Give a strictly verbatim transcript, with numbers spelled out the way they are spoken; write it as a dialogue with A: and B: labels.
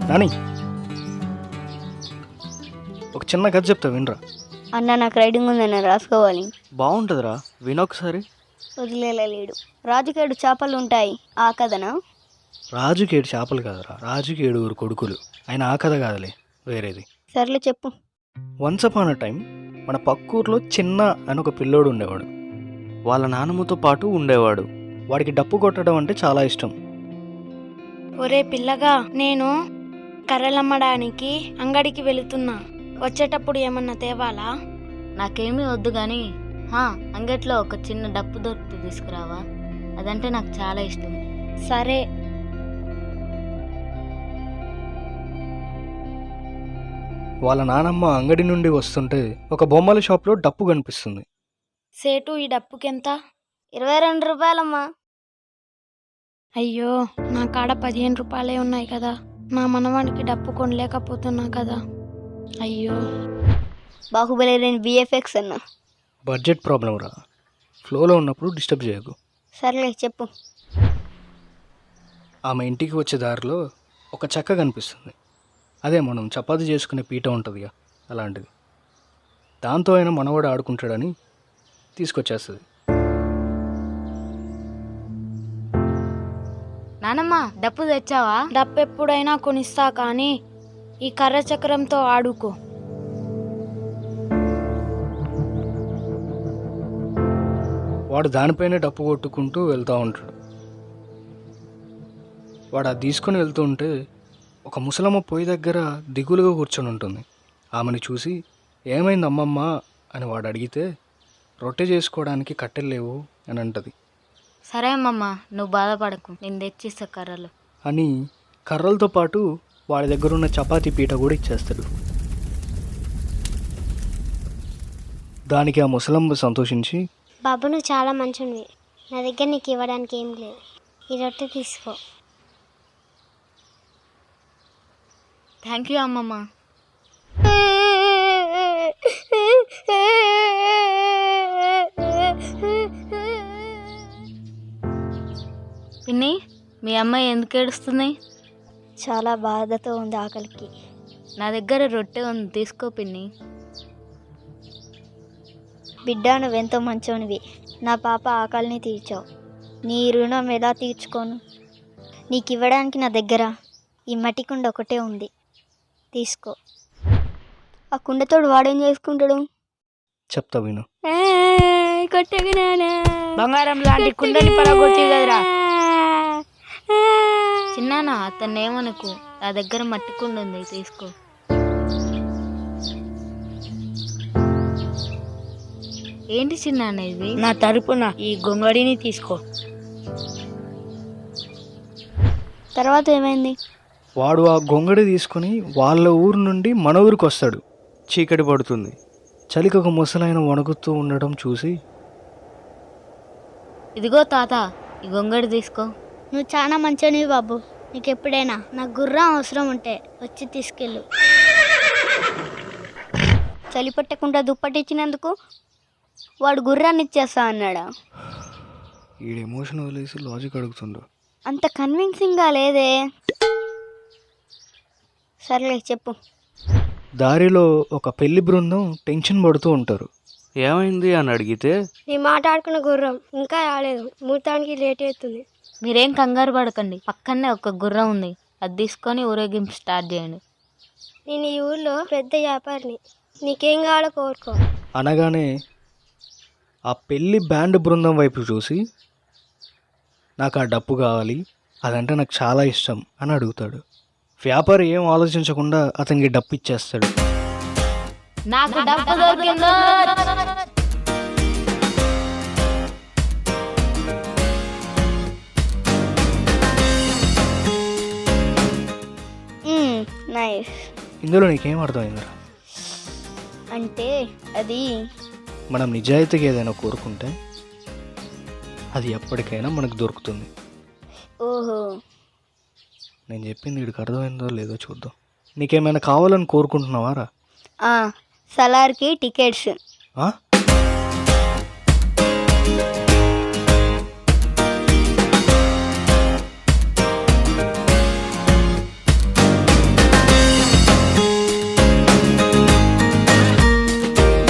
A: నాని ఒక చిన్న కథ చెప్తా వినరా.
B: అన్న నాకు రైడింగ్ ఉందన్న రాసుకోవాలి.
A: బాగుంటుందిరా, వినొకసారి.
B: వదిలేలేడు. రాజుకేడు చేపలు ఉంటాయి ఆ కథనా?
A: రాజుకేడు చేపలు కాదురా, రాజుకి ఏడుగురు కొడుకులు. ఆయన ఆ కథ కాదులే, వేరేది.
B: సర్లే చెప్పు.
A: వన్స్ అపాన్ అ టైం మన పక్కూర్లో చిన్న అని ఒక పిల్లోడు ఉండేవాడు. వాళ్ళ నాన్నమ్మతో పాటు ఉండేవాడు. వాడికి డప్పు కొట్టడం అంటే చాలా ఇష్టం.
C: ఒరే పిల్లగా, నేను కర్రలమ్మడానికి అంగడికి వెళుతున్నా. వచ్చేటప్పుడు ఏమన్నా తేవాలా?
D: నాకేమీ వద్దు కానీ అంగట్లో ఒక చిన్న డప్పు దొరికి తీసుకురావా, అదంటే నాకు చాలా ఇష్టం.
C: సరే.
A: వాళ్ళ నానమ్మ అంగడి నుండి వస్తుంటే ఒక బొమ్మల షాప్లో డప్పు కనిపిస్తుంది.
C: సేటు, ఈ డప్పుకెంత?
B: ఇరవై రెండు రూపాయలమ్మా.
C: అయ్యో, నా కాడ పదిహేను రూపాయలే ఉన్నాయి కదా. నా మనవానికి డప్పు కొనలేకపోతున్నా కదా. అయ్యో.
B: బాహుబలి లేని విఎఫ్ఎక్స్ అన్న.
A: బడ్జెట్ ప్రాబ్లం రా, ఫ్లోలో ఉన్నప్పుడు డిస్టర్బ్ చేయకు.
B: సర్లే చెప్పు.
A: ఆమె ఇంటికి వచ్చే దారిలో ఒక చెక్క కనిపిస్తుంది. అదే మనం చపాతీ చేసుకునే పీట ఉంటుందిగా, అలాంటిది. దాంతో అయినా మనవాడు ఆడుకుంటాడని తీసుకొచ్చేస్తుంది.
D: నానమ్మ, డప్పు తెచ్చావా?
C: డప్పు ఎప్పుడైనా కొనిస్తా కానీ ఈ కర్ర చక్రంతో ఆడుకో.
A: వాడు దానిపైనే డప్పు కొట్టుకుంటూ వెళ్తూ ఉంటాడు. వాడు అది తీసుకొని వెళ్తూ ఉంటే ఒక ముసలమ్మ పొయ్యి దగ్గర దిగులుగా కూర్చొని ఉంటుంది. ఆమెను చూసి ఏమైంది అమ్మమ్మ అని వాడు అడిగితే, రొట్టె చేసుకోవడానికి కట్టెలు లేవు అని అంటది.
D: సరే అమ్మమ్మ, నువ్వు బాధపడకు, నేను తెచ్చిస్తా కర్రలు
A: అని కర్రలతో పాటు వాడి దగ్గర ఉన్న చపాతీ పీట కూడా ఇచ్చేస్తాడు. దానికి ఆ ముసలమ్మ సంతోషించి,
E: బాబు నువ్వు చాలా మంచివి, నా దగ్గర నీకు ఇవ్వడానికి ఏం లేదు, ఈ రొట్టె తీసుకో.
D: థ్యాంక్ యూ అమ్మమ్మ. పిన్ని, మీ అమ్మాయి ఎందుకు ఏడుస్తుంది?
B: చాలా బాధతో ఉంది ఆకలికి.
D: నా దగ్గర రొట్టె ఉంది, తీసుకో పిన్ని.
B: బిడ్డ నువ్వెంతో మంచోనివి, నా పాప ఆకలిని తీర్చావు. నీ రుణం ఎలా తీర్చుకోను? నీకు ఇవ్వడానికి నా దగ్గర ఈ మట్టి కుండ ఒకటే ఉంది, తీసుకో. ఆ కుండతోడు వాడేం చేసుకుంటాడు?
A: చెప్తా విను.
C: బంగారం లాంటి కుండని పడగొట్టి కదరా.
D: చిన్నానా, అతన్ని ఏమనుకు, నా దగ్గర మట్టి కుండ ఉంది, తీసుకో. ఏంటి చిన్నాన్న ఇది?
C: నా తరపున ఈ గొంగడిని తీసుకో.
B: తర్వాత ఏమైంది?
A: వాడు ఆ గొంగడి తీసుకొని వాళ్ళ ఊరు నుండి మన ఊరికి వస్తాడు. చీకటి పడుతుంది. చలికి ఒక ముసలాయన వణుకుతూ ఉండడం చూసి,
D: ఇదిగో తాత, ఈ గొంగడి తీసుకో.
E: నువ్వు చాలా మంచివి బాబు, నీకు ఎప్పుడైనా నా గుర్రం అవసరం ఉంటే వచ్చి తీసుకెళ్ళు.
B: చలి పట్టకుండా దుప్పటిచ్చినందుకు వాడు గుర్రాన్ని ఇచ్చేస్తా అన్నాడా?
A: ఈ ఎమోషన్ వదిలేసి లాజిక్ అడుగుతుండు.
B: అంత కన్విన్సింగ్గా లేదే. సర్లే చెప్పు.
A: దారిలో ఒక పెళ్లి బృందం టెన్షన్ పడుతూ ఉంటారు. ఏమైంది అని అడిగితే,
E: నీ మాట ఆడుకున్న గుర్రం ఇంకా రాలేదు, ముహూర్తానికి లేట్ అవుతుంది.
D: మీరేం కంగారు పడకండి, పక్కనే ఒక గుర్రం ఉంది, అది తీసుకొని ఊరేగింపు స్టార్ట్ చేయండి.
E: నేను ఈ ఊళ్ళో పెద్ద వ్యాపారిని, నీకేం కావాలో కోరుకో.
A: అనగానే ఆ పెళ్లి బ్యాండ్ బృందం వైపు చూసి, నాకు ఆ డప్పు కావాలి, అదంటే నాకు చాలా ఇష్టం అని అడుగుతాడు. వ్యాపారి ఏం ఆలోచించకుండా అతనికి డప్పు ఇచ్చేస్తాడు.
D: నాకు డప్పు దొరికిందో.
B: నైస్.
A: ఇందులో నీకేం అర్థమైందిరా?
B: అంటే అది
A: మనం నిజాయితీగా ఏదైనా కోరుకుంటే అది ఎప్పటికైనా మనకు దొరుకుతుంది.
B: ఓహో,
A: నేను చెప్పింది వీడికి అర్థమైందో లేదో చూద్దాం. నీకేమైనా కావాలని కోరుకుంటున్నావారా?
B: సలార్కి టికెట్స్.